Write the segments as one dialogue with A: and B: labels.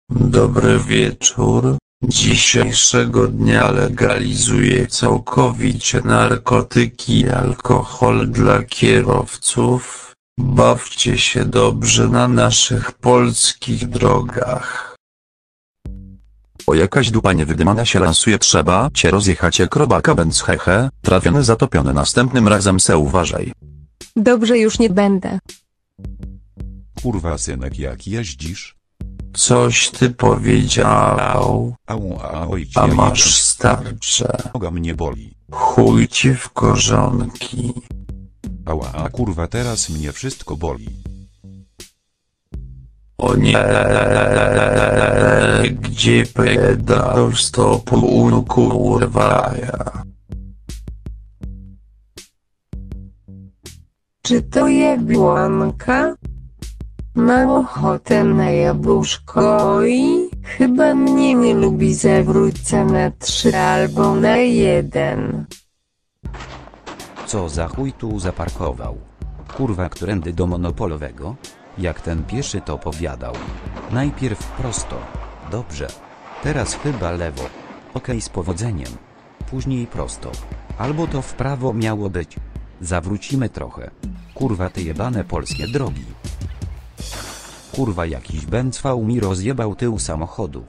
A: Dobry wieczór. Dzisiejszego dnia legalizuje całkowicie narkotyki i alkohol dla kierowców. Bawcie się dobrze na naszych polskich drogach.
B: O, jakaś dupa niewydymana się lansuje, trzeba cię rozjechać jak robaka, bęc hehe, trafiony, zatopiony, następnym razem se uważaj.
C: Dobrze, już nie będę.
D: Kurwa synek, jak jeździsz?
A: Coś ty powiedział,
D: Oj,
A: a masz starcze.
D: noga mnie boli.
A: Chuj ci w korzonki.
D: Ała, kurwa, teraz mnie wszystko boli.
A: O nie, gdzie pedał stopu kurwa ja.
C: Czy to jabłonka? Mam ochotę na jabłuszko i chyba mnie nie lubi, zawrócę na 3 albo na 1.
E: Co za chuj tu zaparkował? Kurwa, którędy do monopolowego? Jak ten pieszy to powiadał. Najpierw prosto. Dobrze. Teraz chyba lewo. Okej, z powodzeniem. Później prosto. Albo to w prawo miało być. Zawrócimy trochę. Kurwa, te jebane polskie drogi. Kurwa, jakiś bęcwał mi rozjebał tył samochodu.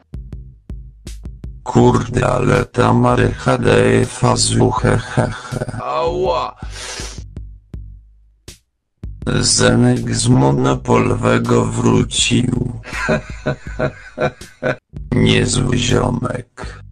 A: Kurde, ale ta marycha daje fazu hehehe. Ała! Zenek z monopolowego wrócił. Niezły ziomek.